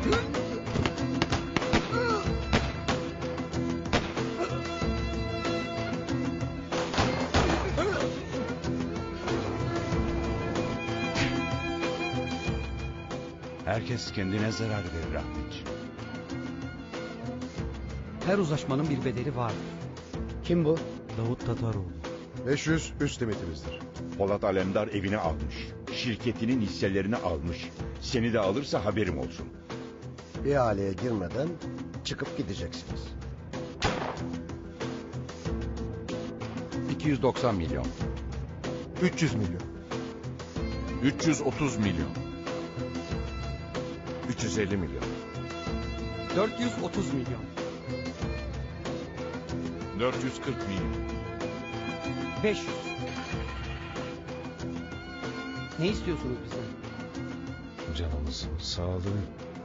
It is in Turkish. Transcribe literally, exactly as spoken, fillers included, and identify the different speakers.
Speaker 1: Herkes kendine zarar verir Ahmetciğim.
Speaker 2: Her uzlaşmanın bir bedeli vardır.
Speaker 3: Kim bu?
Speaker 2: Davut Tataroğlu.
Speaker 4: beş yüz üst limitimizdir.
Speaker 1: Polat Alemdar evini almış. Şirketinin hisselerini almış. Seni de alırsa haberim olsun.
Speaker 3: İhaleye girmeden çıkıp gideceksiniz.
Speaker 5: iki yüz doksan milyon.
Speaker 4: üç yüz milyon.
Speaker 5: üç yüz otuz milyon.
Speaker 4: üç yüz elli milyon.
Speaker 2: dört yüz otuz milyon.
Speaker 5: dört yüz kırk milyon.
Speaker 2: beş yüz. Ne istiyorsunuz bizden?
Speaker 4: Canımızın sağlığı.